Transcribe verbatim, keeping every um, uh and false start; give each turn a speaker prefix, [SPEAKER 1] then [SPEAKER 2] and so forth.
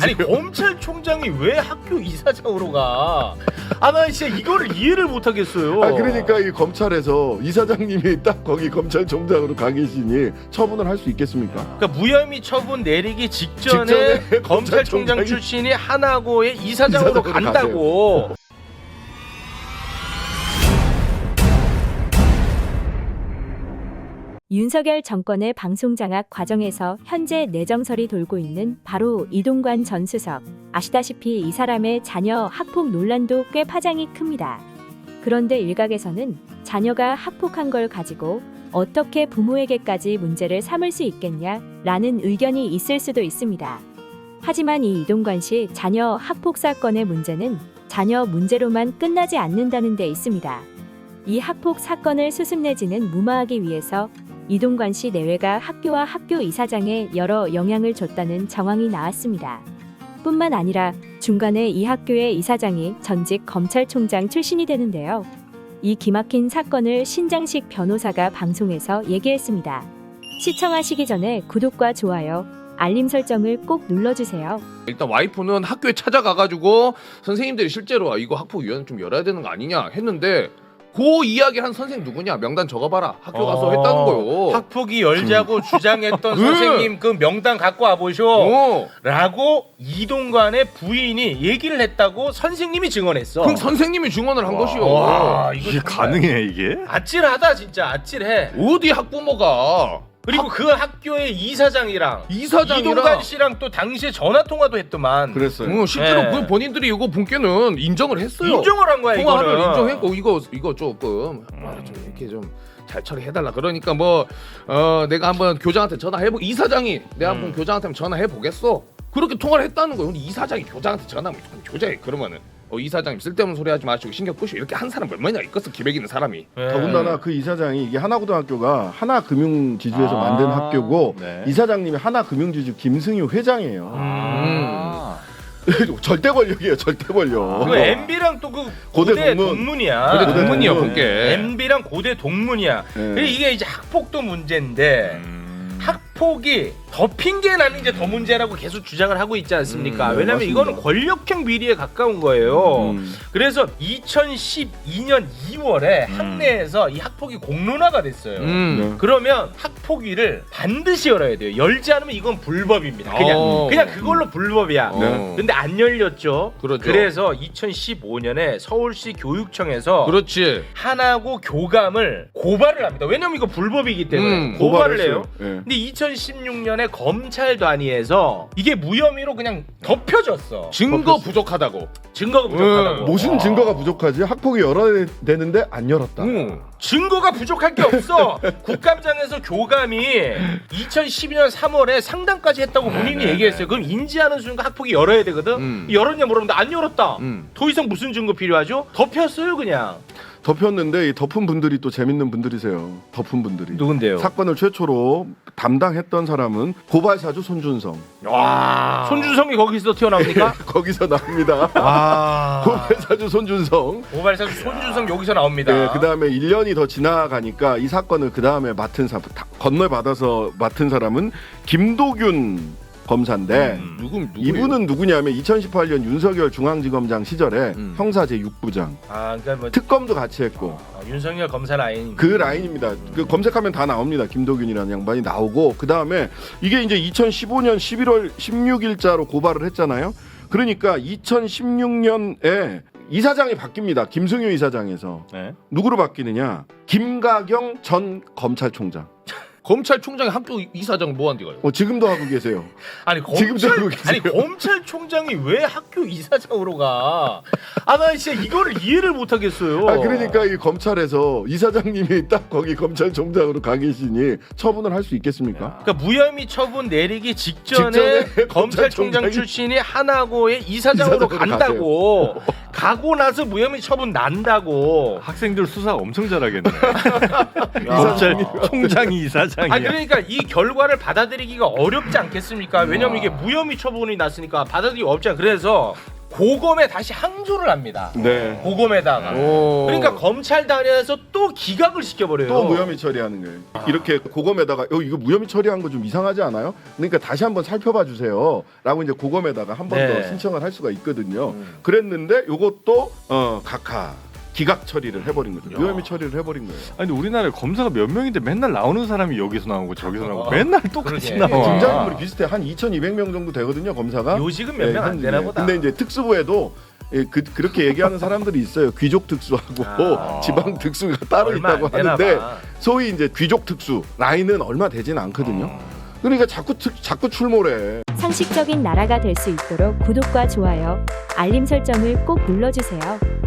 [SPEAKER 1] 아니 검찰총장이 왜 학교 이사장으로 가? 아 나 진짜 이거를 이해를 못 하겠어요.
[SPEAKER 2] 아 그러니까 이 검찰에서 이사장님이 딱 거기 검찰총장으로 가 계시니 처분을 할 수 있겠습니까?
[SPEAKER 1] 그러니까 무혐의 처분 내리기 직전에,
[SPEAKER 2] 직전에
[SPEAKER 1] 검찰총장
[SPEAKER 2] 검찰총장이
[SPEAKER 1] 출신이 하나고의 이사장으로,
[SPEAKER 2] 이사장으로
[SPEAKER 1] 간다고.
[SPEAKER 3] 윤석열 정권의 방송장악 과정에서 현재 내정설이 돌고 있는 바로 이동관 전 수석. 아시다시피 이 사람의 자녀 학폭 논란도 꽤 파장이 큽니다. 그런데 일각에서는 자녀가 학폭한 걸 가지고 어떻게 부모에게까지 문제를 삼을 수 있겠냐라는 의견이 있을 수도 있습니다. 하지만 이 이동관 씨 자녀 학폭 사건의 문제는 자녀 문제로만 끝나지 않는다는 데 있습니다. 이 학폭 사건을 수습내지는 무마하기 위해서 이동관 씨 내외가 학교와 학교 이사장에 여러 영향을 줬다는 정황이 나왔습니다. 뿐만 아니라 중간에 이 학교의 이사장이 전직 검찰총장 출신이 되는데요. 이 기막힌 사건을 신장식 변호사가 방송에서 얘기했습니다. 시청하시기 전에 구독과 좋아요, 알림 설정을 꼭 눌러주세요.
[SPEAKER 4] 일단 와이프는 학교에 찾아가가지고 선생님들이 실제로 이거 학폭위원회 좀 열어야 되는 거 아니냐 했는데 그 이야기 한 선생님 누구냐 명단 적어봐라 학교 가서
[SPEAKER 1] 어,
[SPEAKER 4] 했다는 거요.
[SPEAKER 1] 학폭이 열자고 주장했던
[SPEAKER 4] 응.
[SPEAKER 1] 선생님 그 명단 갖고 와보쇼
[SPEAKER 4] 어.
[SPEAKER 1] 라고 이동관의 부인이 얘기를 했다고 선생님이 증언했어.
[SPEAKER 4] 그럼 선생님이 증언을 한 것이요.
[SPEAKER 1] 와, 이거
[SPEAKER 5] 이게
[SPEAKER 1] 정말
[SPEAKER 5] 가능해 이게?
[SPEAKER 1] 아찔하다 진짜 아찔해.
[SPEAKER 4] 어디 학부모가
[SPEAKER 1] 그리고 그 학교의 이사장이랑
[SPEAKER 4] 이사장이랑
[SPEAKER 1] 이동관 씨랑 또 당시에 전화 통화도 했더만.
[SPEAKER 2] 그랬어요.
[SPEAKER 4] 응, 실제로
[SPEAKER 1] 네.
[SPEAKER 4] 그 본인들이 이거 본께는 인정을 했어요.
[SPEAKER 1] 인정을 한 거야
[SPEAKER 4] 통화를
[SPEAKER 1] 이거는.
[SPEAKER 4] 인정했고 이거 이거 조금 아, 좀 이렇게 좀 잘 처리해달라. 그러니까 뭐 어, 내가 한번 교장한테 전화해보. 이사장이 내가 한번
[SPEAKER 1] 음.
[SPEAKER 4] 교장한테 전화해 보겠어. 그렇게 통화를 했다는 거예요. 근데 이사장이 교장한테 전화하면 교장이 그러면은 어, 이사장님 쓸데없는 소리 하지 마시고 신경 끄시고 이렇게 한 사람 얼마나 있겠어 기백 있는 사람이.
[SPEAKER 1] 네.
[SPEAKER 2] 더군다나 그 이사장이 이게 하나고등학교가 하나금융지주에서
[SPEAKER 5] 아,
[SPEAKER 2] 만든 학교고
[SPEAKER 5] 네.
[SPEAKER 2] 이사장님이 하나금융지주 김승유 회장이에요.
[SPEAKER 5] 아.
[SPEAKER 2] 절대 권력이에요, 절대 권력.
[SPEAKER 1] 그 엠비랑 또 그
[SPEAKER 2] 고대
[SPEAKER 1] 고대,
[SPEAKER 2] 동문.
[SPEAKER 1] 동문이야.
[SPEAKER 4] 근데
[SPEAKER 2] 고대
[SPEAKER 4] 동문이야
[SPEAKER 2] 동문.
[SPEAKER 4] 본께.
[SPEAKER 1] 엠비랑 고대 동문이야.
[SPEAKER 2] 네.
[SPEAKER 1] 그리고 이게 이제 학폭도 문제인데
[SPEAKER 5] 음.
[SPEAKER 1] 학폭이 더 핑계 나는 게 더 문제라고 계속 주장을 하고 있지 않습니까?
[SPEAKER 2] 음, 네,
[SPEAKER 1] 왜냐면
[SPEAKER 2] 맞습니다.
[SPEAKER 1] 이거는 권력형 비리에 가까운 거예요.
[SPEAKER 2] 음.
[SPEAKER 1] 그래서 이천십이 년 이월에
[SPEAKER 5] 음.
[SPEAKER 1] 학내에서 이 학폭이 공론화가 됐어요.
[SPEAKER 4] 음.
[SPEAKER 2] 네.
[SPEAKER 1] 그러면 학폭위를 반드시 열어야 돼요. 열지 않으면 이건 불법입니다. 그냥
[SPEAKER 4] 어.
[SPEAKER 1] 그냥 그걸로 불법이야.
[SPEAKER 4] 네.
[SPEAKER 1] 근데 안 열렸죠.
[SPEAKER 4] 그렇죠.
[SPEAKER 1] 그래서 이천십오 년에 서울시 교육청에서
[SPEAKER 4] 그렇지.
[SPEAKER 1] 하나고 교감을 고발을 합니다. 왜냐면 이거 불법이기 때문에
[SPEAKER 4] 음,
[SPEAKER 1] 고발을
[SPEAKER 2] 고발했어요.
[SPEAKER 1] 해요.
[SPEAKER 2] 예.
[SPEAKER 1] 근데 이천십육 년에 검찰 단위에서 이게 무혐의로 그냥 덮여졌어.
[SPEAKER 4] 증거 부족하다고.
[SPEAKER 1] 증거가 부족하다고.
[SPEAKER 4] 음,
[SPEAKER 2] 무슨 증거가 부족하지? 학폭이 열어야 되는데 안 열었다.
[SPEAKER 4] 응.
[SPEAKER 1] 증거가 부족할 게 없어. 국감장에서 교감이 이천십이 년 삼월에 상담까지 했다고 본인이 얘기했어요. 그럼 인지하는 순간 학폭이 열어야 되거든.
[SPEAKER 4] 음.
[SPEAKER 1] 열었냐 물었는데 안 열었다.
[SPEAKER 4] 음.
[SPEAKER 1] 더 이상 무슨 증거 필요하죠? 덮였어요 그냥.
[SPEAKER 2] 덮였는데 이 덮은 분들이 또 재밌는 분들이세요. 덮은 분들이.
[SPEAKER 1] 누군데요?
[SPEAKER 2] 사건을 최초로 담당했던 사람은 고발사주 손준성.
[SPEAKER 1] 와. 손준성이 거기서 튀어나옵니까?
[SPEAKER 2] 거기서 나옵니다.
[SPEAKER 1] 와.
[SPEAKER 2] 고발사주 손준성.
[SPEAKER 1] 고발사 손준성 여기서 나옵니다.
[SPEAKER 2] 네, 그 다음에 일 년이 더 지나가니까 이 사건을 그 다음에 맡은 사람, 건널받아서 맡은 사람은 김도균 검사인데
[SPEAKER 1] 음.
[SPEAKER 4] 누구 누구
[SPEAKER 2] 이분은 누구냐면 이천십팔 년 윤석열 중앙지검장 시절에
[SPEAKER 4] 음.
[SPEAKER 2] 형사 제육 부장
[SPEAKER 1] 아, 그러니까 뭐
[SPEAKER 2] 특검도 같이 했고
[SPEAKER 1] 어, 윤석열 검사 라인.
[SPEAKER 2] 그 라인입니다. 그 검색하면 다 나옵니다. 김도균이라는 양반이 나오고 그 다음에 이게 이제 이천십오 년 십일월 십육일자로 고발을 했잖아요. 그러니까 이천십육 년에 이사장이 바뀝니다. 김승유 이사장에서
[SPEAKER 5] 네.
[SPEAKER 2] 누구로 바뀌느냐? 김가경 전 검찰총장.
[SPEAKER 4] 검찰총장이 학교 이사장 뭐 한 데가요?
[SPEAKER 2] 어, 지금도 하고 계세요.
[SPEAKER 1] 아니
[SPEAKER 2] 지금도
[SPEAKER 1] 검찰
[SPEAKER 2] 하고 계세요.
[SPEAKER 1] 아니 검찰총장이 왜 학교 이사장으로 가? 아 나 진짜 이거를 이해를 못 하겠어요.
[SPEAKER 2] 아 그러니까 이 검찰에서 이사장님이 딱 거기 검찰총장으로 가 계시니 처분을 할 수 있겠습니까?
[SPEAKER 1] 그러니까 무혐의 처분 내리기 직전에,
[SPEAKER 2] 직전에
[SPEAKER 1] 검찰총장
[SPEAKER 2] 검찰총장이-
[SPEAKER 1] 출신이 하나고의 이사장으로
[SPEAKER 2] 이사장으로
[SPEAKER 1] 간다고. 가고 나서 무혐의 처분 난다고.
[SPEAKER 5] 학생들 수사 엄청 잘하겠네.
[SPEAKER 2] 이사장님.
[SPEAKER 5] 검찰 총장이 이사장이야.
[SPEAKER 1] 아 그러니까 이 결과를 받아들이기가 어렵지 않겠습니까? 왜냐면 이게 무혐의 처분이 났으니까 받아들이기 어렵지 않아. 그래서 고검에 다시 항소를 합니다.
[SPEAKER 2] 네.
[SPEAKER 1] 고검에다가.
[SPEAKER 4] 오.
[SPEAKER 1] 그러니까 검찰단에서 또 기각을 시켜버려요.
[SPEAKER 2] 또 무혐의 처리하는 거예요. 이렇게 고검에다가 어, 이거 무혐의 처리한 거 좀 이상하지 않아요? 그러니까 다시 한번 살펴봐 주세요.라고 이제 고검에다가 한 번 더
[SPEAKER 1] 네.
[SPEAKER 2] 신청을 할 수가 있거든요.
[SPEAKER 1] 음.
[SPEAKER 2] 그랬는데 요것도 어, 각하 기각 처리를 해버린 거죠.
[SPEAKER 1] 야.
[SPEAKER 2] 무혐의 처리를 해버린 거예요.
[SPEAKER 5] 아니 근데 우리나라에 검사가 몇 명인데 맨날 나오는 사람이 여기서 나오고 저기서 나오고
[SPEAKER 1] 어.
[SPEAKER 5] 맨날 똑같이
[SPEAKER 1] 그러게.
[SPEAKER 5] 나와.
[SPEAKER 2] 등장인물이 비슷해. 한 이천이백 명 정도 되거든요, 검사가.
[SPEAKER 1] 요직은 몇
[SPEAKER 2] 예,
[SPEAKER 1] 명 안
[SPEAKER 2] 현직에.
[SPEAKER 1] 되나 보다.
[SPEAKER 2] 근데 이제 특수부에도 예, 그, 그렇게 얘기하는 사람들이 있어요. 귀족 특수하고
[SPEAKER 1] 아.
[SPEAKER 2] 지방 특수가 따로
[SPEAKER 1] 얼마
[SPEAKER 2] 있다고
[SPEAKER 1] 안 되나
[SPEAKER 2] 하는데
[SPEAKER 1] 봐.
[SPEAKER 2] 소위 이제 귀족 특수 라인은 얼마 되진 않거든요.
[SPEAKER 1] 음.
[SPEAKER 2] 그러니까 자꾸 특, 자꾸 출몰해.
[SPEAKER 3] 상식적인 나라가 될 수 있도록 구독과 좋아요, 알림 설정을 꼭 눌러주세요.